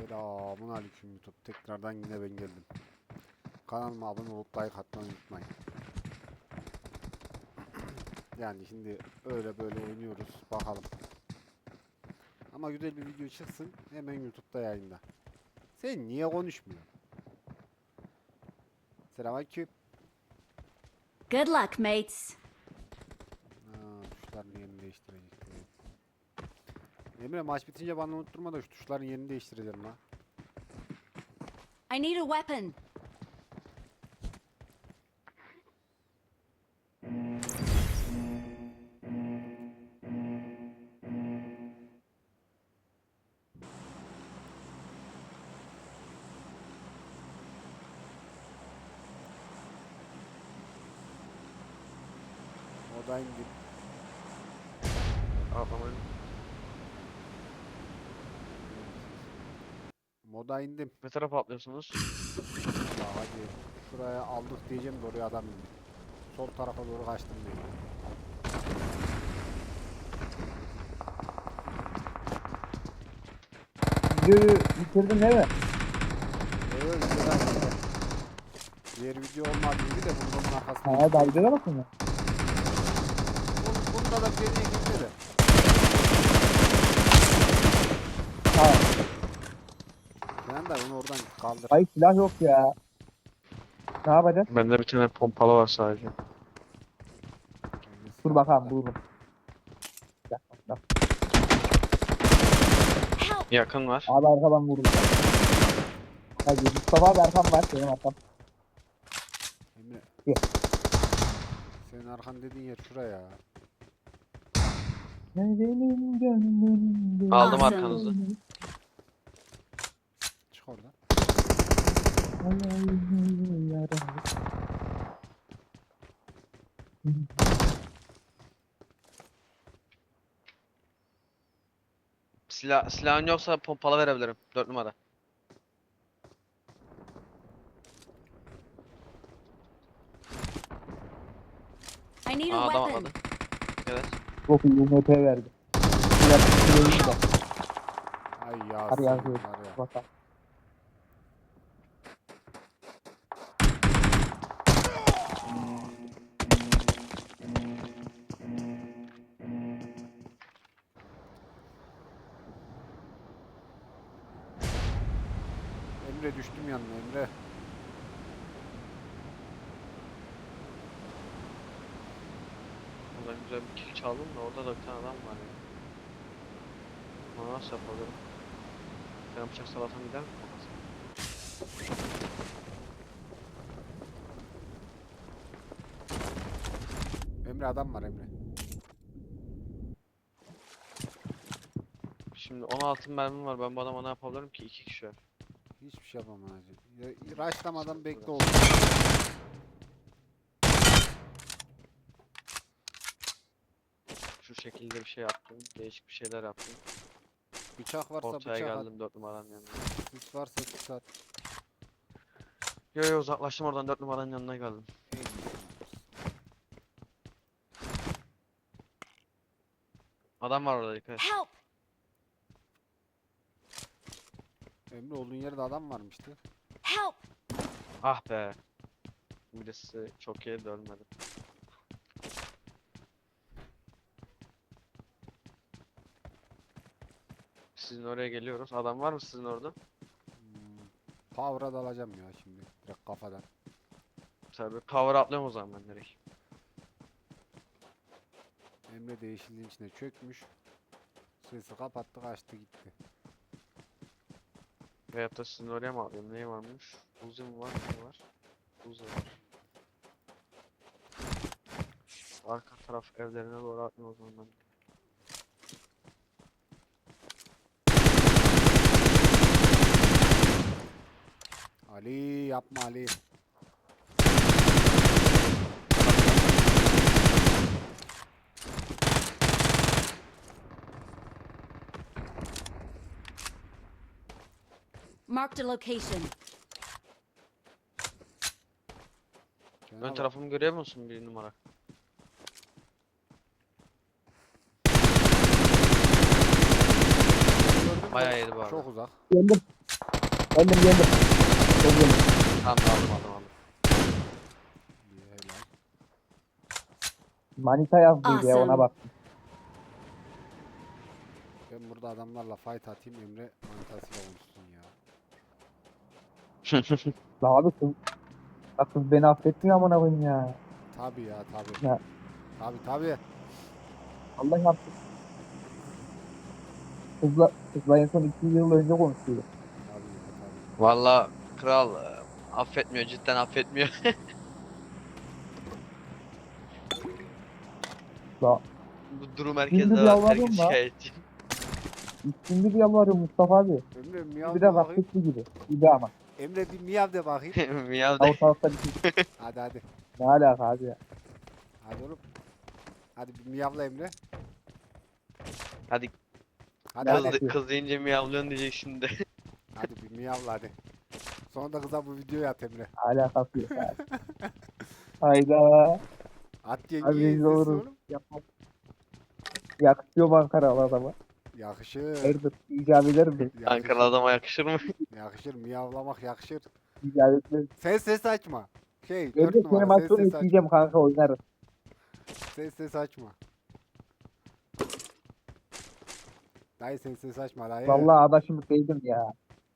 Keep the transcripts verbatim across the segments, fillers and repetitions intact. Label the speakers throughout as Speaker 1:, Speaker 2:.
Speaker 1: Selamun aleyküm YouTube. Tekrardan yine ben geldim. Kanalıma abone olup like atmayı unutmayın. Yani şimdi öyle böyle oynuyoruz. Bakalım. Ama güzel bir video çıksın. Hemen YouTube'da yayında. Sen niye konuşmuyorsun? Selamünaleyküm.
Speaker 2: Good luck, mates.
Speaker 1: Ha, tuşların yerini değiştirecek. Emre maç bitince bana unutturma da şu tuşların yerini değiştireceğim lan.
Speaker 2: I need a weapon.
Speaker 1: Moda indim.
Speaker 3: Atlamayın.
Speaker 1: Moda indim.
Speaker 3: Ne tarafa atlıyorsunuz?
Speaker 1: Ya hadi şuraya aldık diyeceğim de oraya adam indi. Sol tarafa doğru kaçtım diyeceğim.
Speaker 4: Videoyu bitirdin değil mi?
Speaker 1: Evet, güzel. Diğer video olmadı gibi de bunun arkasında.
Speaker 4: Ha, daha videoda mısın ya?
Speaker 1: Bun- Bunda da geriye gitti de.
Speaker 4: Ha,
Speaker 1: Sen de onu oradan kaldır.
Speaker 4: hayır silah yok ya. Ne yapacağız?
Speaker 3: Bende bir tane pompalı var sadece.
Speaker 4: Dur bakalım bulurum. Bir dakika, bir dakika.
Speaker 2: Help!
Speaker 3: Yakın var.
Speaker 4: Abi arkadan vurdu. Hadi Mustafa abi arkam var benim arkam.
Speaker 1: Emre.
Speaker 4: Gel.
Speaker 1: Senin arkan dediğin yer şuraya.
Speaker 4: Benim gönlümde.
Speaker 3: Aldım
Speaker 2: Awesome.
Speaker 3: arkanızı.
Speaker 1: Çık oradan.
Speaker 4: Hayalini yaralı.
Speaker 3: Silah, silahın yoksa pompalı verebilirim. Dört numara.
Speaker 2: I need
Speaker 3: Aa,
Speaker 2: a
Speaker 3: adam
Speaker 2: weapon.
Speaker 3: atladı. Evet.
Speaker 4: Çok iyi U M P verdi. Silah silahı da.
Speaker 1: Ay ya.
Speaker 4: Hadi
Speaker 1: sen
Speaker 4: yazıyor.
Speaker 1: var ya.
Speaker 4: Bakalım.
Speaker 1: Emre düştüm yanına Emre.
Speaker 3: Oradan güzel bir kill çaldım da orada da bir tane adam var ya. Bunu nasıl yapabilirim? Ben bıçak salatan gider mi kafasına?
Speaker 1: Emre adam var Emre.
Speaker 3: Şimdi on altı mermim var. Ben bu adama ne yapabilirim ki? İki kişi var.
Speaker 1: Hiçbir şey yapamam hacı. Ya, Raşlamadan bekle oğlum.
Speaker 3: Şu şekilde bir şey yaptım. Değişik bir şeyler yaptım.
Speaker 1: Bıçak varsa
Speaker 3: Ortaya
Speaker 1: bıçak at.
Speaker 3: geldim dört numaranın yanına.
Speaker 1: Hiç varsa hiç at.
Speaker 3: Yo yo uzaklaştım oradan dört numaranın yanına geldim. Adam var orada dikkat et.
Speaker 2: Help!
Speaker 1: Emre olduğun yerde adam varmıştı.
Speaker 2: Help!
Speaker 3: Ah be. Birisi çok iyi de ölmedi. Sizin oraya geliyoruz. Adam var mı sizin orada?
Speaker 1: Hmm. Power'a dalacağım ya şimdi. Direkt kafadan.
Speaker 3: Tabii cover atlıyorum o zaman ben direkt.
Speaker 1: Emre de yeşilliğin içine çökmüş. Sesi kapattı kaçtı gitti.
Speaker 3: Veyahut da sizin oraya mı atlayayım? Neyi varmış? Uzi mi var? Ne var? Uzi var. Arka taraf evlerine doğru atmıyor o zaman ben.
Speaker 1: Ali yapma Ali.
Speaker 2: Marked a location.
Speaker 1: Cenab-ı
Speaker 3: Ön
Speaker 1: Hak.
Speaker 3: tarafımı görüyor musun bir numara?
Speaker 1: Gördün mü?
Speaker 3: Bayağı yedi bu arada.
Speaker 1: Çok uzak.
Speaker 4: Geldim. Geldim geldim. Çok geldim.
Speaker 3: Tamam aldım aldım aldım.
Speaker 1: İyi, helal.
Speaker 4: Manita yazdıydı ya ona
Speaker 2: Awesome.
Speaker 4: bak.
Speaker 1: Ben burada adamlarla fight atayım, Emre manitasıyla konuşsun ya.
Speaker 4: La abi kız. La kız beni affetmiyor amına koyayım ya.
Speaker 1: Tabi ya tabi.
Speaker 4: Ya.
Speaker 1: Tabi tabi.
Speaker 4: Allah yaptı. Kızla, kızla en son iki yıl önce konuşuyordu.
Speaker 1: Tabi ya tabi.
Speaker 3: Valla kral e, affetmiyor, cidden affetmiyor.
Speaker 4: La
Speaker 3: Bu durum
Speaker 4: Gündüz
Speaker 3: herkeste var,
Speaker 4: yalvarıyorum
Speaker 3: herkes
Speaker 4: da.
Speaker 3: şikayetçi.
Speaker 4: üstünde bir yalvarıyor Mustafa abi.
Speaker 1: Emre miyav
Speaker 4: Bir
Speaker 1: de
Speaker 4: de
Speaker 1: bakayım.
Speaker 4: vakitli gibi. Bir de ama.
Speaker 1: Emre bir miyav de bakayım.
Speaker 3: Miyav de.
Speaker 4: Ortalıkta bir şey.
Speaker 1: Hadi hadi.
Speaker 4: Ne alaka abi ya.
Speaker 1: Hadi oğlum. Hadi bir miyavla Emre.
Speaker 3: Hadi
Speaker 1: Hadi
Speaker 4: Ben
Speaker 3: kız,
Speaker 1: hadi.
Speaker 4: de-
Speaker 3: kız deyince miyavlıyorsun diyecek şimdi.
Speaker 1: Hadi bir miyavla hadi. Sonra da kıza bu videoyu at Emre.
Speaker 4: Alakası yok abi. Hayda.
Speaker 1: At
Speaker 4: Abi
Speaker 1: yengeyi
Speaker 4: rezil
Speaker 1: izlesin
Speaker 4: oluruz.
Speaker 1: oğlum.
Speaker 4: Yapma. Yakışıyor mu Ankaralı adama?
Speaker 1: Yakışır.
Speaker 4: Hayırdır? İcap eder mi?
Speaker 1: Yakışır.
Speaker 3: Ankara adama yakışır mı?
Speaker 1: Yakışır. Miyavlamak yakışır.
Speaker 4: İcap etmez.
Speaker 1: Sen ses açma. Şey
Speaker 4: Ben
Speaker 1: dört
Speaker 4: de seni
Speaker 1: numara
Speaker 4: maç
Speaker 1: ses
Speaker 4: sonu
Speaker 1: ses açma.
Speaker 4: isteyeceğim kanka oynarız.
Speaker 1: Ses ses açma. Dayı sen ses açma dayı.
Speaker 4: Vallahi adaşımı sevdim ya.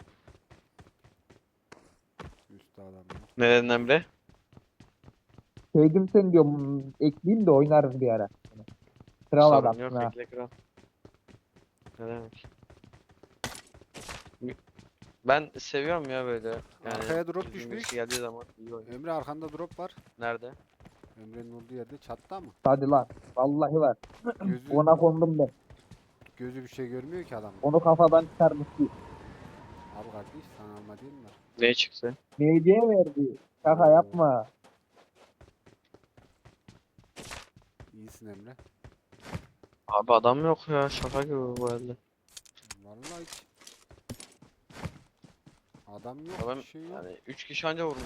Speaker 1: Üstü adam ya.
Speaker 3: Ne dedin Emre?
Speaker 4: Sevdim seni diyorum. Ekleyeyim de oynarız bir ara. Kral
Speaker 3: Sorun
Speaker 4: adamsın
Speaker 3: yok,
Speaker 4: ha.
Speaker 3: bekle kral. Ne demek? Ben seviyorum ya böyle. Yani
Speaker 1: Arkaya drop
Speaker 3: düzgün
Speaker 1: düşmüş.
Speaker 3: birisi geldiği zaman iyi oynuyor.
Speaker 1: Emre arkanda drop var.
Speaker 3: Nerede?
Speaker 1: Emre'nin olduğu yerde çatta mı?
Speaker 4: Hadi lan. Vallahi var.
Speaker 1: Gözü
Speaker 4: Ona kondum ben.
Speaker 1: gözü bir şey görmüyor ki adam.
Speaker 4: Onu kafadan çıkarmıştı.
Speaker 1: Abi kardeş sana alma değil mi?
Speaker 3: Ne çıktı?
Speaker 4: Neydiye verdi? Şaka yapma.
Speaker 1: İyisin Emre.
Speaker 3: Abi adam yok ya, şaka gibi bu elde.
Speaker 1: Vallahi hiç. Adam yok,
Speaker 3: Adam
Speaker 1: bir şey yok.
Speaker 3: yani üç kişi anca vurmuş.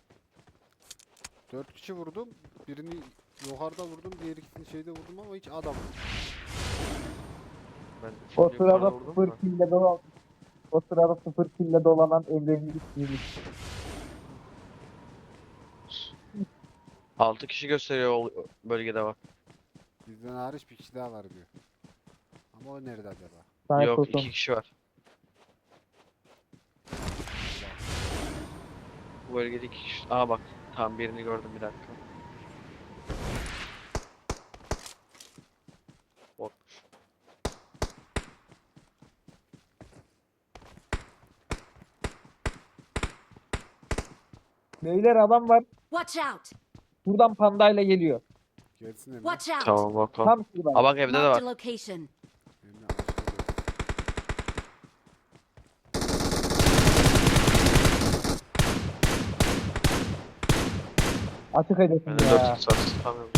Speaker 1: Dört kişi vurdum. Birini yukarıda vurdum, diğer ikisini şeyde vurdum ama hiç adam.
Speaker 3: Ben
Speaker 4: O
Speaker 3: şimdi yukarıda
Speaker 4: sırada
Speaker 3: vurdum
Speaker 4: sıfır
Speaker 3: da.
Speaker 4: kille dolan. O sırada sıfır kille dolanan Emre'nin ismiymiş.
Speaker 3: altı kişi gösteriyor o bölgede bak.
Speaker 1: Bizden hariç bir kişi daha var diyor. Ama o nerede acaba?
Speaker 4: Sana
Speaker 3: Yok,
Speaker 4: sorsun.
Speaker 3: iki kişi var. Bu bölgede iki kişi. Aa bak, tam birini gördüm, bir dakika. Botmuş.
Speaker 4: Beyler adam var.
Speaker 2: Watch out!
Speaker 4: Buradan pandayla geliyor.
Speaker 1: Gelsin Emre.
Speaker 2: Watch out!
Speaker 3: Tamam bakalım.
Speaker 4: Tam şuradan.
Speaker 3: Aa bak, evde de
Speaker 2: Marked a
Speaker 3: var.
Speaker 2: location.
Speaker 1: Emre açtı diyor.
Speaker 4: Açık edesin
Speaker 3: Ben de dört
Speaker 4: ya.
Speaker 3: x var, tutamıyorum.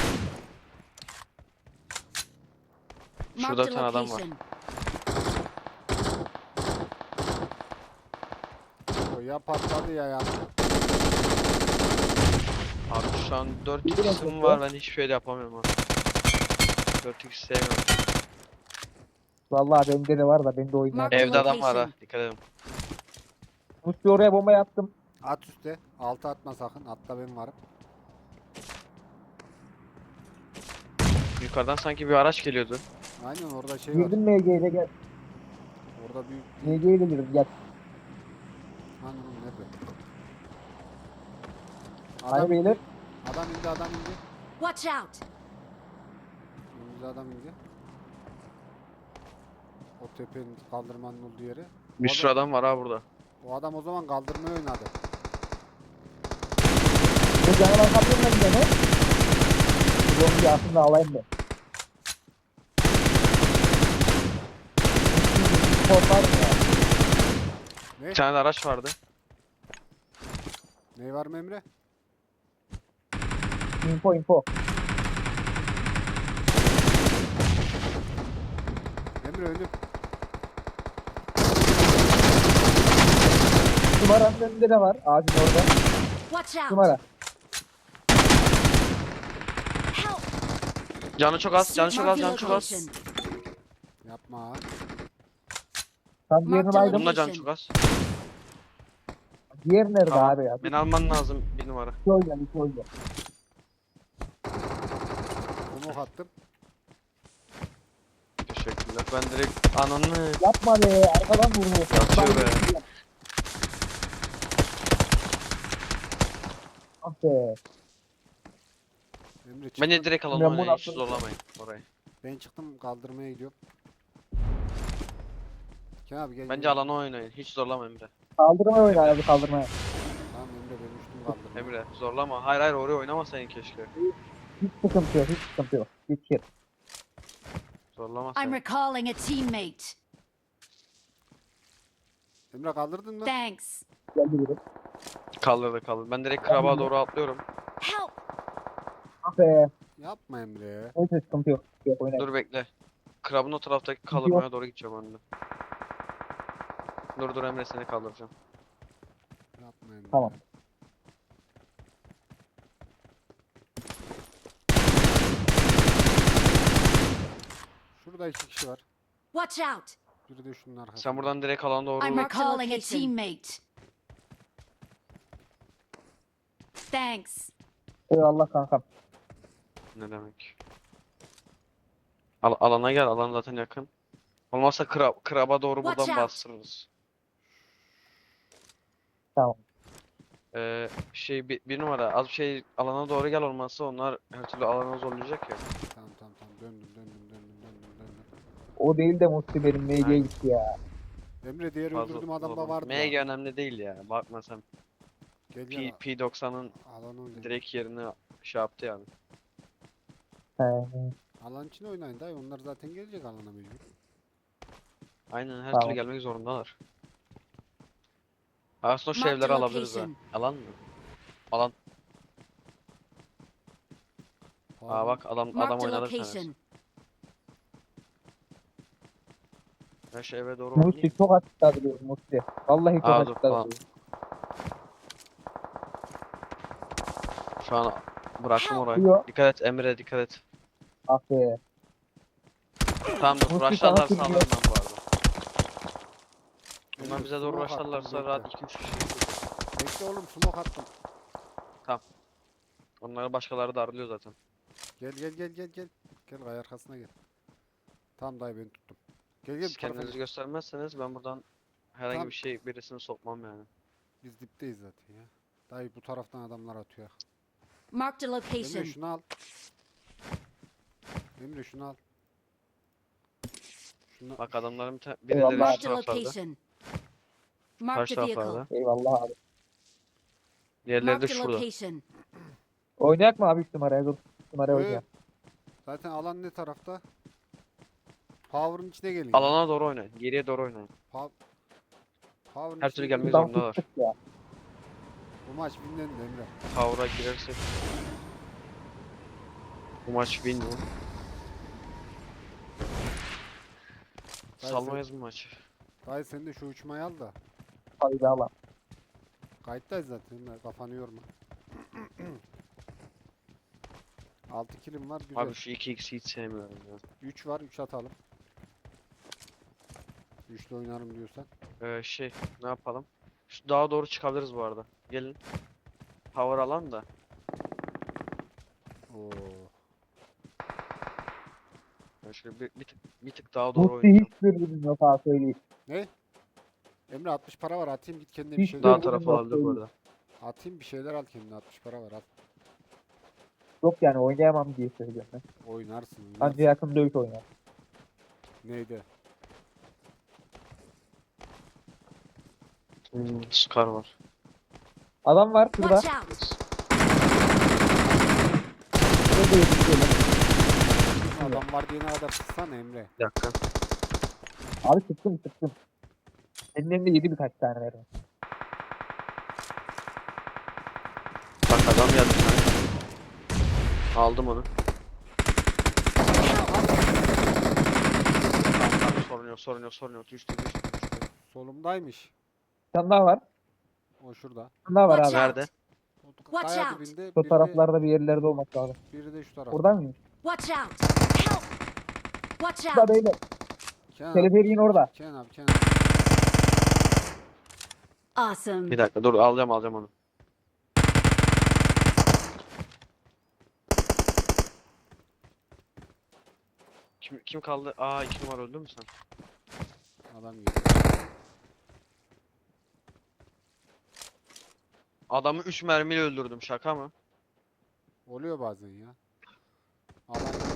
Speaker 3: Şurada
Speaker 2: Marked
Speaker 3: bir
Speaker 2: a
Speaker 3: tane adam var.
Speaker 2: location.
Speaker 1: O ya patladı ya ya.
Speaker 3: Abi şu an dört
Speaker 4: Bir de
Speaker 3: x'im
Speaker 4: bakıyor.
Speaker 3: var, ben hiçbir şey de yapamıyorum ha. dört x sevmiyorum.
Speaker 4: Vallahi bende de var da ben de oynar.
Speaker 2: Mark-
Speaker 3: Evde adam var ha,
Speaker 2: location.
Speaker 3: dikkat edin.
Speaker 4: Musti oraya bomba yaptım.
Speaker 1: At üstte. Altı atma sakın. Atta ben varım.
Speaker 3: Yukarıdan sanki bir araç geliyordu.
Speaker 1: Aynen orada şey var.
Speaker 4: Girdim M G ile gel.
Speaker 1: Orada büyük
Speaker 4: M G ile girdim gel.
Speaker 1: Hani oğlum nerede?
Speaker 4: Hani
Speaker 1: Adam
Speaker 4: beyler?
Speaker 1: indi. Adam indi, adam indi.
Speaker 2: Watch out!
Speaker 1: Önümüzde adam indi. O tepenin kaldırmanın olduğu yere.
Speaker 3: Bir
Speaker 1: O
Speaker 3: sürü
Speaker 1: adam-
Speaker 3: adam var ha burada.
Speaker 1: O adam o zaman kaldırmayı oynadı.
Speaker 4: Bu canı bakabilir miyim beni? Bu bombayı aslında alayım ben. Korkar mı ya?
Speaker 1: Ne?
Speaker 3: Bir tane de araç vardı.
Speaker 1: Ne var mı Emre?
Speaker 4: Info info.
Speaker 1: Emre önüm.
Speaker 4: Numaranın önünde de var. Ağacın orada.
Speaker 2: Watch out!
Speaker 4: Numara.
Speaker 2: Help!
Speaker 3: Canı çok az, canı çok az,
Speaker 2: Marked a
Speaker 3: canı çok az.
Speaker 2: location.
Speaker 1: Yapma.
Speaker 4: Tam diğerini
Speaker 2: Marked
Speaker 4: baydım.
Speaker 3: Bunun da canı çok az.
Speaker 4: Diğer nerede
Speaker 3: Tamam.
Speaker 4: abi ya?
Speaker 3: Beni alman lazım bir numara.
Speaker 4: İki oyna, iki oyna.
Speaker 1: Smoke attım.
Speaker 3: Teşekkürler. Ben direkt ananı
Speaker 4: Yapma be, arkadan vurdu.
Speaker 3: Yatıyor be.
Speaker 4: Ah be.
Speaker 1: Emre çıktım.
Speaker 3: Bence direkt alanı
Speaker 4: Ben bunu
Speaker 3: oynayın. Hiç
Speaker 4: atladım.
Speaker 3: zorlamayın orayı.
Speaker 1: Ben çıktım kaldırmaya gidiyorum. Kenan abi gel.
Speaker 3: Bence
Speaker 1: gel.
Speaker 3: alanı oynayın. Hiç zorlama Emre.
Speaker 4: Kaldırmaya oyna abi, kaldırmaya.
Speaker 1: Tamam Emre ben uçtum kaldırmaya.
Speaker 3: Emre zorlama. Hayır hayır oraya oynamasaydın keşke.
Speaker 4: Hiç sıkıntı yok, hiç sıkıntı yok. Geçir.
Speaker 2: I'm
Speaker 3: Zorlamasaydın.
Speaker 2: recalling a teammate.
Speaker 1: Emre kaldırdın mı?
Speaker 2: Thanks.
Speaker 4: Geldi biri.
Speaker 3: Kaldırdı kaldırdı. Ben direkt kraba doğru atlıyorum.
Speaker 2: Help!
Speaker 4: Ah be.
Speaker 1: Yapma Emre.
Speaker 4: Neyse sıkıntı yok. Yok oyna.
Speaker 3: Dur bekle. Krabın o taraftaki kaldırmaya doğru gideceğim anne. Dur dur Emre seni kaldıracağım.
Speaker 1: Yapma Emre.
Speaker 4: Tamam.
Speaker 1: Şurada iki kişi var.
Speaker 2: Watch out!
Speaker 1: Biri de şunun arkasında.
Speaker 3: Sen buradan direkt alana doğru
Speaker 2: I'm recalling a teammate. Thanks.
Speaker 4: Eyvallah kankam.
Speaker 3: ne demek? Al alana gel. Alan zaten yakın. Olmazsa krab kraba doğru
Speaker 2: Watch
Speaker 3: buradan
Speaker 2: out.
Speaker 3: bastırırız.
Speaker 4: Tamam.
Speaker 3: Ee, şey bir, bir numara az bir şey alana doğru gel olmazsa onlar her türlü alana zorlayacak ya.
Speaker 1: Tamam tamam tamam döndüm döndüm döndüm döndüm döndüm.
Speaker 4: O değil de Musti benim M G'ye
Speaker 3: Aynen.
Speaker 4: gitti ya.
Speaker 1: Emre diğer
Speaker 3: Fazla
Speaker 1: öldürdüğüm adam da
Speaker 3: zorlama.
Speaker 1: vardı.
Speaker 3: M G
Speaker 1: ya.
Speaker 3: önemli değil ya. Bakma sen.
Speaker 1: Gel
Speaker 3: P,
Speaker 1: gel.
Speaker 3: P90'ın
Speaker 1: Alan oynayın.
Speaker 3: direkt yerine şey yaptı yani.
Speaker 4: He.
Speaker 1: Alan için oynayın dayı. Onlar zaten gelecek alana mecbur.
Speaker 3: Aynen her
Speaker 4: Tamam.
Speaker 3: türlü gelmek zorundalar. Aslında şu
Speaker 2: Marked
Speaker 3: evleri
Speaker 2: a
Speaker 3: alabiliriz ha.
Speaker 2: location.
Speaker 3: Alan mı? Alan. Aa
Speaker 1: Pardon.
Speaker 3: bak adam adam
Speaker 2: Marked a
Speaker 3: oynadı bir tanesi.
Speaker 2: location.
Speaker 3: Ben şu eve doğru
Speaker 4: Musti
Speaker 3: oynayayım.
Speaker 4: çok açıkta duruyor Musti. Vallahi çok
Speaker 3: Aa, dur,
Speaker 4: açıkta
Speaker 3: tamam.
Speaker 4: duruyor.
Speaker 3: Şu an bıraktım
Speaker 2: Help.
Speaker 3: orayı.
Speaker 4: Yok.
Speaker 3: Dikkat et Emre dikkat et.
Speaker 4: Ah be.
Speaker 3: Tamam dur
Speaker 4: Musti
Speaker 3: rushlarlarsa
Speaker 4: sana
Speaker 3: alırım
Speaker 4: sürüyor.
Speaker 3: ben bu arada. Bunlar
Speaker 1: Emre,
Speaker 3: bize doğru
Speaker 1: smoke attım,
Speaker 3: rushlarlarsa
Speaker 1: bekle.
Speaker 3: rahat iki üç kişi.
Speaker 1: Bekle oğlum smoke attım.
Speaker 3: Onları başkaları darlıyor zaten.
Speaker 1: Gel gel gel gel gel. Gel kaya arkasına gel. Tamam dayı ben tuttum. Gel gel
Speaker 3: Siz
Speaker 1: bu tarafa
Speaker 3: kendinizi
Speaker 1: gel.
Speaker 3: göstermezseniz ben buradan herhangi
Speaker 1: Tamam.
Speaker 3: bir şey birisini sokmam yani.
Speaker 1: Biz dipteyiz zaten ya. Dayı bu taraftan adamlar atıyor.
Speaker 2: Marked a
Speaker 1: Emre
Speaker 2: location.
Speaker 1: şunu al. Emre şunu al. Şunu
Speaker 3: Bak adamların bir ta-
Speaker 4: Eyvallah.
Speaker 3: birileri şu
Speaker 2: Marked a
Speaker 3: taraflarda.
Speaker 2: location.
Speaker 3: Karşı
Speaker 2: Marked a vehicle.
Speaker 3: taraflarda.
Speaker 4: Eyvallah abi.
Speaker 3: Diğerleri de
Speaker 2: Marked a
Speaker 3: şurada.
Speaker 2: location.
Speaker 4: Oynayak mı abi üç numaraya? Dur. üç numaraya
Speaker 1: Ee,
Speaker 4: oynayalım.
Speaker 1: zaten alan ne tarafta? Power'ın içine gelin. ya.
Speaker 3: Alana doğru oynayın. Geriye doğru oynayın.
Speaker 1: Pa Power'ın
Speaker 3: Her
Speaker 1: içine
Speaker 3: türlü
Speaker 1: gelin.
Speaker 3: gelmek
Speaker 4: Buradan
Speaker 3: zorundalar.
Speaker 4: tuttuk ya.
Speaker 1: Bu maç winlendi Emre.
Speaker 3: Power'a girersek. Bu maç win mi?
Speaker 1: Dayı
Speaker 3: Salmayız bu maçı.
Speaker 1: Dayı sen de şu uçmayı al da.
Speaker 4: Haydi Allah.
Speaker 1: Kayıttayız zaten Emre. Kafanı yorma. altı kilim var güzel.
Speaker 3: Abi şu iki x'i hiç sevmiyorum ya.
Speaker 1: üç var üç atalım. üçle oynarım diyorsan.
Speaker 3: Ee, şey ne yapalım? Şu dağa doğru çıkabiliriz bu arada. Gelin. Power alan da.
Speaker 1: Oo.
Speaker 3: Ben şöyle bir, bir, tık, bir tık daha doğru
Speaker 4: Musti
Speaker 3: oynayacağım.
Speaker 4: hiç dürbünüm yok ha söyleyeyim.
Speaker 1: Ne? Emre altmış para var atayım git kendine bir
Speaker 4: Hiç
Speaker 1: şeyler
Speaker 3: Dağ
Speaker 1: al.
Speaker 4: dürbünüm
Speaker 3: tarafı
Speaker 4: yok,
Speaker 3: olabilir bu
Speaker 4: söyleyeyim.
Speaker 3: arada.
Speaker 1: Atayım bir şeyler al kendine altmış para var at.
Speaker 4: Yok yani oynayamam diye söylüyorum ben.
Speaker 1: Oynarsın. oynarsın.
Speaker 4: Anca yakın dövüş oynar.
Speaker 1: Neydi?
Speaker 3: Hmm, Scar var.
Speaker 4: Adam var şurada.
Speaker 2: Watch out!
Speaker 4: Şurada yetişiyorlar.
Speaker 1: Adam var diyene kadar sıksana Emre.
Speaker 3: Bir dakika.
Speaker 4: Abi sıktım sıktım. Senin elinde yedi birkaç tane mermi.
Speaker 3: Bak adam geldi bir tane. Aldım onu. Tamam, tamam, sorun yok sorun yok sorun yok. Düştü düştü düştü.
Speaker 1: Solumdaymış.
Speaker 4: Bir tane daha var.
Speaker 1: O şurada.
Speaker 4: Bir tane daha var
Speaker 2: Watch
Speaker 4: abi.
Speaker 2: out!
Speaker 3: Nerede?
Speaker 1: O
Speaker 2: Watch
Speaker 1: kaya
Speaker 2: out.
Speaker 1: dibinde
Speaker 4: Şu
Speaker 1: biri de,
Speaker 4: taraflarda bir yerlerde olması lazım.
Speaker 1: biri de şu tarafta.
Speaker 4: Burada mıyım?
Speaker 2: Watch out! Help! Watch
Speaker 4: Burada
Speaker 2: out!
Speaker 4: beyler.
Speaker 1: Kenan abi,
Speaker 4: Teleferiğin orada.
Speaker 1: Kenan abi Kenan abi.
Speaker 2: Awesome.
Speaker 3: Bir dakika dur alacağım alacağım onu. Kim kim kaldı? Aa iki numara öldü mü sen?
Speaker 1: Adam geliyor.
Speaker 3: Adamı üç mermiyle öldürdüm şaka mı?
Speaker 1: Oluyor bazen ya. Adam